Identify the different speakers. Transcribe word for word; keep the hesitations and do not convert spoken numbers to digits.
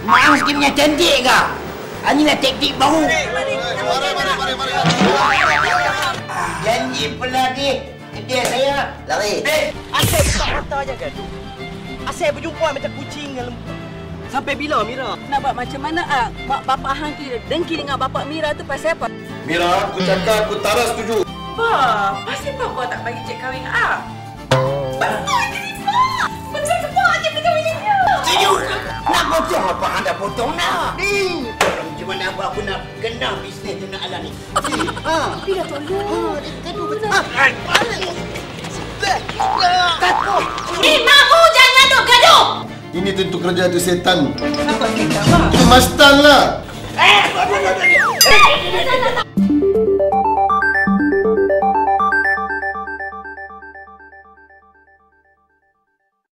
Speaker 1: Maang sikit punya cantik kau. Inilah taktik baru.
Speaker 2: Mari, mari, mari, mari.
Speaker 1: Janji pelagi kedai saya. Lari.
Speaker 3: Eh, asyik buka mata aja kan? Asyik berjumpa macam kucing dengan lembu. Sampai bila, Mira?
Speaker 4: Nak buat macam mana, ah? Mak bapak hang tu dengki dengan bapak Mira tu pasal apa?
Speaker 2: Mira, aku cakap aku tak setuju.
Speaker 4: Pak, pasal apa kau tak bagi cik kahwin dengan ah? Betul jadi Pak! Betul ke Pak je boleh kahwin dengan dia?
Speaker 1: Setuju. Nak potong apa anda potong nak? Ni. Macam mana apa aku nak kena bisnes tu nak alami. Ha.
Speaker 4: Tapi dah tolong.
Speaker 1: Ha, gaduh betul. Takut.
Speaker 4: Eh, mahu jangan gaduh-gaduh!
Speaker 2: Ini tentu kerja tu setan.
Speaker 4: Kenapa kita, Pak?
Speaker 2: Mastan lah.
Speaker 1: Eh,